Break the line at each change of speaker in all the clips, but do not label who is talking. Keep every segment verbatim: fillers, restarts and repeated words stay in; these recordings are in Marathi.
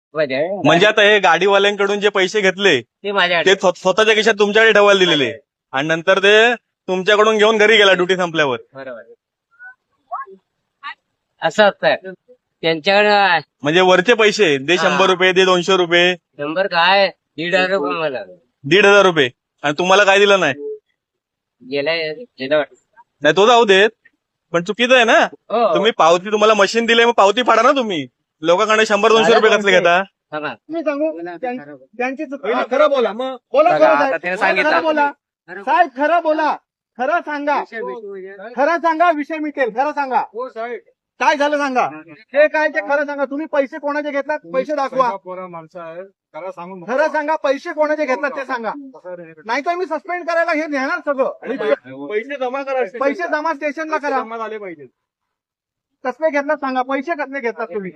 म्हणजे आता हे गाडीवाल्यांकडून जे पैसे घेतले
ते माझ्या
ते स्व- स्वतःच्या खिशात तुमच्याकडे ठेवायला दिलेले आणि नंतर ते तुमच्याकडून घेऊन घरी गेला ड्युटी संपल्यावर.
बरोबर असं असतं त्यांच्याकडे.
म्हणजे वरचे पैसे दे
हा.
शंभर रुपये दे दोनशे रुपये
शंभर काय दीड हजार रुपये मला
दीड हजार रुपये आणि तुम्हाला काय दिलं नाही.
गेलाय गेलं वाटतं.
नाही तो जाऊ देत पण चुकीचं आहे ना.
हो.
तुम्ही पावती तुम्हाला मशीन दिले मग पावती फाडा ना तुम्ही. लोकांकडे शंभर दोनशे रुपये कसले घेता.
थांबा.
मी सांगू त्यां- त्यांची चूक-
पहिलं
हा,
खरं बोला मग.
बोला
बघा,
खरं
आता
साहेब.
त्याने सांगितलं.
खरं बोला साहेब, खरं बोला, खरं सांगा, खरं सांगा, विषय मिटेल. खरं सांगा
हो साहेब.
काय झालं सांगा. हे काय ते खरं सांगा. तुम्ही पैसे कोणाचे घेतलात पैसे दाखवा.
पोरा माणसं आहे खरं सांगून
खरं सांगा, पैसे कोणाचे घेतलात ते सांगा. नाही तर मी सस्पेंड करायला हे नेणार सगळं.
आणि पैसे जमा करा.
पैसे जमा स्टेशनला करा.
जमा झाले पाहिजे.
कसले घेतलात सांगा. पैसे कसले घेतलात तुम्ही.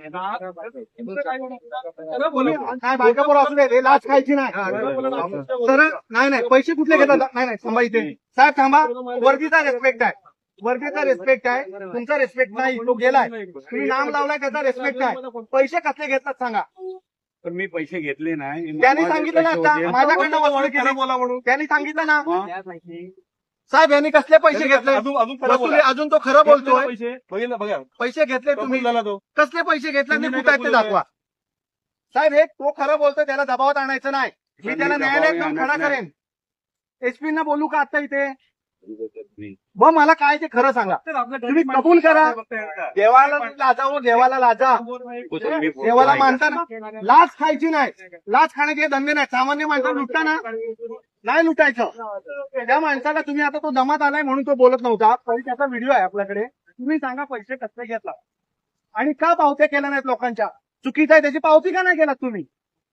खरं बोला.
तुम्ही काय बायका पोरं असू दे, लाच खायची नाही. सरळ नाही नाही पैसे कुठले घेतात. नाही नाही थांबा इथे साहेब थांबा. वर्दीचा रेस्पेक्ट आहे. वर्दीचा रेस्पेक्ट आहे. तुमचा रेस्पेक्ट नाही. तो गेलाय. तुम्ही नाम लावलाय त्याचा रेस्पेक्ट आहे. पैसे कसले घेतलात सांगा.
पण मी पैसे घेतले नाही.
त्यांनी सांगितलं ना आता माझ्याकडनं वसूल
खरं
केली.
बोला म्हणून.
त्यांनी सांगितलं ना
हा.
साहेब यांनी कसले पैसे घेतले.
अजून अजून खरं
वसुली
बोला.
अजून तो खरं बोलतोय.
पैसे बघितलं बघा.
पैसे घेतले तुम्ही.
कबूल झाला तो.
कसले पैसे घेतले
तुम्ही
ते
नाही
कुठे आहेत ते
कबूल
दाखवा. साहेब हे तो खरं बोलतोय त्याला दबावात आणायचं नाही. मी त्याला न्यायालयात घेऊन खडा करेन. एसपी ना बोलू का आता इथे. ब मला काय ते खरं सांगा. तुम्ही कबूल करा. देवाला लाजावं, देवाला लाजा. देवाला मानताना लाच खायची नाही. लाच खाण्याचे धंदे नाही. सामान्य माणसाला लुटता ना नाही लुटायचं. त्या माणसाला तुम्ही आता तो दमात आलाय म्हणून तो बोलत नव्हता. पण त्याचा व्हिडिओ आहे आपल्याकडे. तुम्ही सांगा पैसे कसले घेतला आणि का पावत्या केल्या नाहीत लोकांच्या. चुकीचं आहे त्याची पावती का नाही केलात तुम्ही.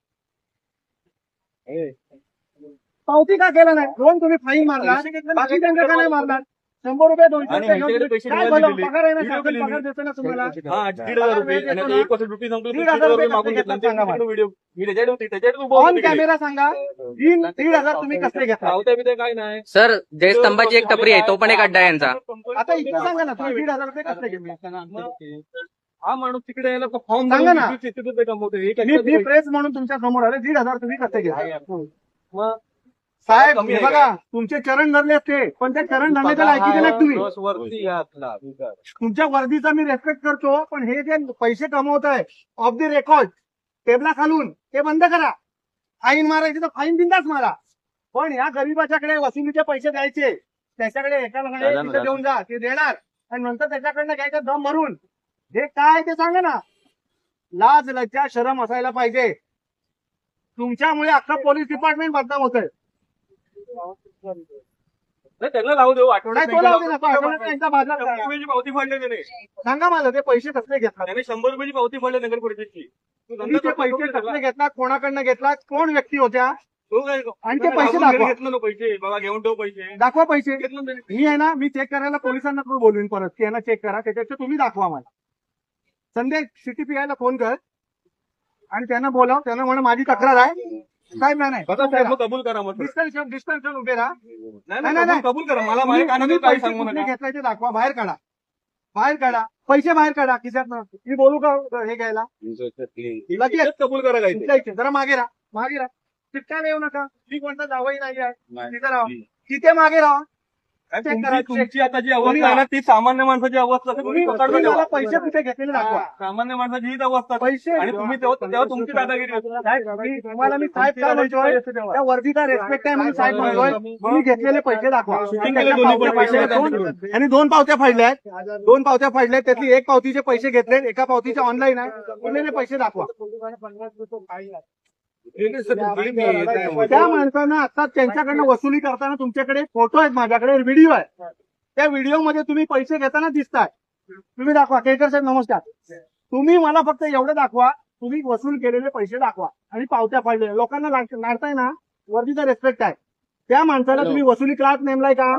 पावती का केला नाही. दोन तुम्ही फाईन मारला बाकी त्यांच्या का नाही मारणार. शंभर रुपये दोनशे
आणि
रुपये
ह्यांच्याकडे पैसे
काय
निघाले
बोला,
दिले.
पगार आहे ना
व्हिडिओ
शासन
केली.
पगार देतो ना तुम्हाला.
हा दीड हजार रुपये आणि आता एक वर्ष ड्युटी संपली.
दीड हजार रुपये
मागून
कसले
घेतला.
घेतला सांगा मला.
व्हिडिओ मी त्याच्याकडे होती त्याच्याकडे उभं
ऑन
होतो तिकडे.
कॅमेरा सांगा. तीन दीड हजार तुम्ही कसले घेतला.
पावत्या बिवत्या काय नाही.
सर जयस्तंभाची एक टपरी आहे तो पण एक अड्डा आहे यांचा.
आता इथे सांगा ना तुम्ही दीड हजार रुपये कसले घेतले.
हा माणूस तिकडे यायला फॉर्म
सांगा ना.
तिथे कमवतो. एक
मी मी
एक-
प्रेस म्हणून तुमच्या समोर आले. दीड हजार तुम्ही कसले घेतले.
मग
साहेब
कमी
हे
आहे
बघा तुमचे चरण धरले असते पण त्या चरण धरण्याच्या लायकीचे नाहीत तुम्ही.
बस वरती या आपला.
तुमच्या वर्दीचा मी रेस्पेक्ट करतो पण हे जे पैसे कमवत आहे ऑफ द रेकॉर्ड टेबला खालून ते बंद करा. फाईन मारायची तर फाईन बिंदाच मारा. पण या गरीबाच्याकडे वसुलीचे पैसे द्यायचे त्याच्याकडे एकाला तिथे देऊन जा ते देणार आणि नंतर त्याच्याकडनं घ्यायचं दम भरून. हे काय ते सांगा ना. लाज लज्जा शरम असायला पाहिजे. तुमच्यामुळे अख्खा पोलीस डिपार्टमेंट बदनाम होतंय.
नाही, त्यांना लावू देऊ. आठवड्यात
नाही, तो लावू दे ना, तो आठवड्यात त्यांचा बाजार
शंभर
करा.
रुपयाची पावती फाडली त्याने.
सांगा मला ते पैसे कसले घेतला.
त्याने शंभर रुपयाची पावती फाडली नगर परिषदची. तो
तुम्ही ते
धंदा
पैसे
करतो
कसले घेतलात कोणाकडनं घेतलात कोण व्यक्ती होत्या
तो काय
आणि ते पैसे
आपण घरी
दाखवा.
घेतलं ना पैसे बाबा घेऊन ठेव पैसे
दाखवा पैसे.
घेतलं ना त्याने.
मी आहे ना मी चेक करायला पोलिसांना पण बोलवीन परत की यांना चेक करा त्याच्यापेक्षा तुम्ही दाखवा मला. संध्या सीटीपीआय ला फोन कर आणि त्यांना बोलाव. त्यांना म्हणा माझी तक्रार आहे. काय नाही नाही
बघा साहेब, मग कबूल करा मग.
डिस्टन्स डिस्टन्स उभे राहा.
नाही
नाही,
नाही
नाही.
कबूल- कबूल करा. मला
तुम्ही-
माझ्या कानात
तुम्ही
काय
पैसे
सांगू
कुठले
नका.
घेतलाय ते दाखवा. बाहेर काढा बाहेर काढा पैसे बाहेर काढा खिशात. मी बोलू का हे घ्यायला लगेच.
लगेच कबूल करा काय ते.
तुमच्या इथे जरा मागे राहा मागे राहा. चिटकायला येऊ नका. मी कोणता जावई नाही आहे. तिथे राहा तिथे मागे राहा.
काय
check
तुमची-
करा, check.
तुमची आता जी अवस्था आहे ना ती सामान्य माणसाची अवस्था आहे.
तुम्ही
तुम्ही पकडलं
तुम्ही मला
तेव्हा.
पैसे कुठे घेतलेले दाखवा.
सामान्य माणसाची हीच अवस्था आहे.
पैसे
आणि तुम्ही तेव्हा तेव्हा तुमची दादागिरी होती.
साहेब, मी तुम्हाला मी साहेब काय म्हणतोय त्या वर्दीचा रेस्पेक्ट आहे म्हणून साहेब म्हणतोय तुम्ही घेतलेले पैसे दाखवा.
शूटिंग केले दोन्ही पण पैसे
आणि दोन- आणि दोन पावत्या फाडल्या आहेत. दोन पावत्या फाडल्या आहेत. त्यातली एक पावतीचे पैसे घेतले एका पावतीचे ऑनलाईन आहे. उरलेले पैसे दाखवा. त्या माणसानं आता त्यांच्याकडनं वसुली करताना तुमच्याकडे फोटो आहेत माझ्याकडे व्हिडिओ आहे. त्या व्हिडिओमध्ये तुम्ही पैसे घेताना दिसताय. तुम्ही दाखवा. केळकर साहेब नमस्कार. तुम्ही मला फक्त एवढं दाखवा तुम्ही वसूल केलेले पैसे दाखवा आणि पावत्या फाडलेल्या. लोकांना लाड- लाडताय ना वर्दीचा रेस्पेक्ट आहे. त्या माणसाला तुम्ही वसुली क्लास नेमलाय का.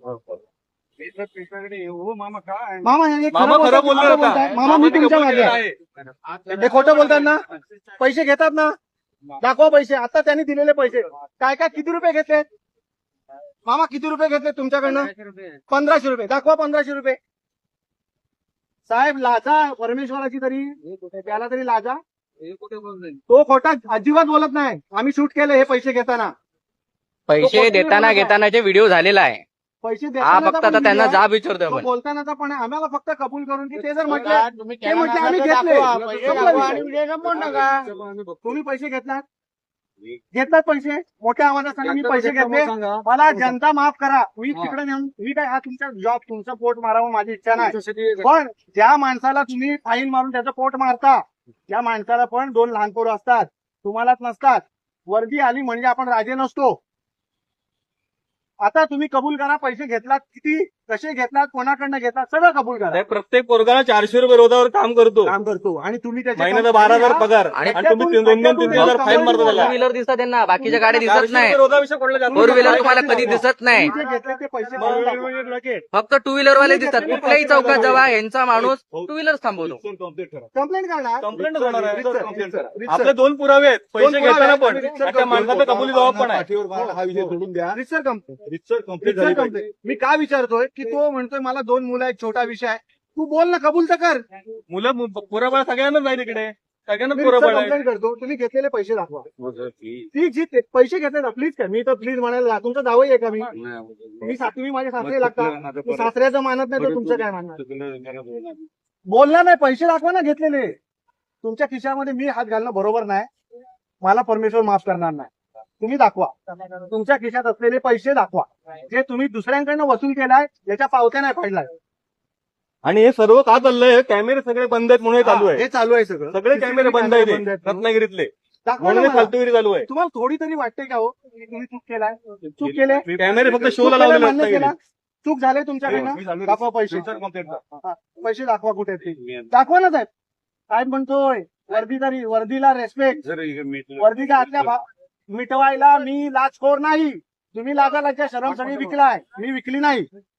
मामा काय
मामा हे
मामा
खरं
खरं
बोलताय,
बोलला
खोटं
होता.
बोलताय. मामा मी
मामाने
तुमच्या
कबूल
मागे
केलं
आहे.
आहे.
हे खोटं बोलतात ना. पैसे घेतात ना दाखवा पैसे. आता त्यांनी दिलेले पैसे काय काय किती रुपये घेतले मामा किती रुपये घेतले तुमच्याकडनं. पंधराशे रुपये दाखवा. पंधराशे रुपये. साहेब लाजा परमेश्वराची तरी त्याला तरी लाजा. तो खोटा अजिबात बोलत नाही. आम्ही शूट केले हे पैसे घेताना.
पैसे देताना घेतानाचे व्हिडिओ झालेला आहे.
पैसे
हा
देतानाचा
फक्त
पण
आता त्यांना
video आहे,
जाब विचारतोय
तो
आपण.
बोलतानाचा पण आहे. आम्हाला फक्त कबूल करून की ते जर म्हटले ते म्हटले आम्ही घेतले संपला विषय. तुम्ही पैसे घेतलात घेतलात पैसे मोठ्या आवाजात सांगा मी पैसे घेतले. मला जनता माफ करा. मी तिकडे नेऊन मी काय हा तुमचा जॉब तुमचं पोट मारावं माझी इच्छा नाही. पण ज्या माणसाला तुम्ही फाईन मारून त्याचं पोट मारता त्या माणसाला पण दोन लहान पोरं असतात तुम्हालाच नसतात. वर्दी आली म्हणजे आपण राजे नसतो. आता तुम्ही कबूल करा पैसे घेतलात किती कसे घेतलात कोणाकडनं घेतलात सगळं कबूल करा.
साहेब, प्रत्येक पोरगाला चारशे रुपये रोजावर काम करतो.
काम करतो आणि तुम्ही त्याच्या
महिन्याचा बारा हजार पगार
आणि
आणि तुम्ही तीन- दोन दोन तीन तीन हजार फाईन मारतो
फोर
त्याला.
व्हीलर दिसतात त्यांना, बाकीच्या गाड्या दिसत
चारशे
नाही.
रुपये रोजाविषयी कोणाला जास्त
फोर व्हीलर
नाही.
तुम्हाला कधी दिसत नाही.
तुम्ही जे घेतले ते पैसे भरून टाका.
फक्त टू व्हीलर वाले दिसतात. कुठल्याही चौकात जावा यांचा माणूस टू व्हीलर थांबवतो.
कंप्लेंट करणार
कंप्लेंट होणार आहे.
रितसर, रितसर, रितसर.
आपले दोन पुरावे आहेत. पैसे
पुरावे
घेताना
आहेत.
पण
रितसर
आणि त्या माणसाचा कबुली जबाब पण आहे.
हा विषय सोडून द्या.
रितसर कंप्लेंट
रितसर कंप्लीट
रितसर कंप्लेंट. मी का विचारतोय की तो म्हणतोय मला दोन मुलं आहेत छोटा विषय आहे. तू बोल ना कबूल तर कर.
मुलं पुराबळ सगळ्यांनाच नाही तिकडे सगळ्यांना
मी
पुराबळ आहे.
कंप्लेंट करतो. तुम्ही घेतलेले पैसे दाखवा. ती जी ते- पैसे घेतले ना प्लीज काय मी तर प्लीज म्हणायला तुमचा दावाही आहे का मी मी सा- तुम्ही माझे सासरे लागतात. मी सासऱ्याचं मानत नाही तर तुमचं काय मानणार. बोलला नाही पैसे दाखवा ना घेतलेले. तुमच्या खिशामध्ये मी हात घालणं बरोबर नाही. मला परमेश्वर माफ करणार नाही. तुम्ही दाखवा तुमच्या खिशात असलेले पैसे दाखवा जे तुम्ही दुसऱ्यांकडनं वसूल केलाय याच्या पावत्या नाही पडलाय.
आणि हे सर्व का चाललंय कॅमेरे सगळे बंद आहेत म्हणून हे चालू आहे.
हे चालू आहे सगळं.
सगळे कॅमेरे बंद आहेत हे. रत्नागिरीतले
दाखवा ना
म्हणून हे
मला.
फालतूगिरी चालू आहे.
तुम्हाला थोडी तरी वाटते का हो की तुम्ही चूक केलाय चूक केले
कॅमेरे फक्त
चूक
शोला
केलं,
लावलेले
मान्य केला.
रत्नागिरीत.
चूक झाले तुमच्याकडनं दाखवा पैसे हा, पैसे दाखवा कुठे आहेत ते. दाखवा ना साहेब. साहेब म्हणतोय वर्दी तरी वर्दीला रेस्पेक्ट. वर्दीच्या आतल्या भा- मिटवायला मी लाचखोर नाही. तुम्ही लाजालाच्या शरम सगळी विकलाय मी विकली नाही.